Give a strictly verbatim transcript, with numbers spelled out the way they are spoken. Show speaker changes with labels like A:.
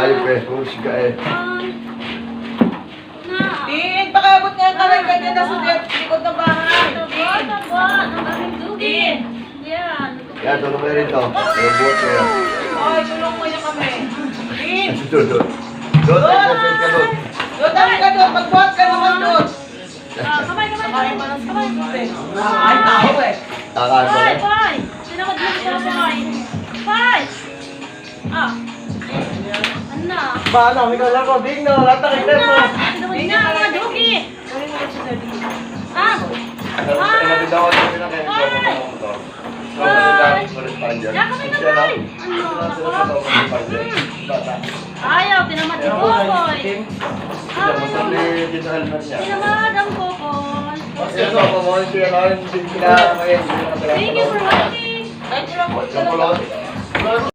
A: ayop eh. Husga eh.
B: Din, pakabot niya ang kamay kanya na sa likod ng bahay. Din.
A: Yan, tulong mo na rin to. Yung buhat ko yan.
B: Ay, tulong mo niya kami. Din.
A: Doon, doon. Doon, exercise ka doon.
B: Doon, dami ka doon. Magbuhat ka naman doon.
C: Kamay, kamay,
B: Kamay pa ng kamay. Ay, tao eh.
A: Takaan mo
C: Pai,
A: na.
C: pai. Sinamad mo siya sa kamay. Pai. Ah. Ano?
A: Paano? May kalang ko. Big no. Latakin na mo.
C: Sinamad niya ang mga jogi. Ah.
A: Inabit ako sa pinakain.
C: Pai. Ya, kamay, kamay. Ano? Ayaw, tinamad si Kokoy. Ah, tinamad ang Kokoy.
A: Thank
C: Thank you for watching.
B: Ay, tulong mo.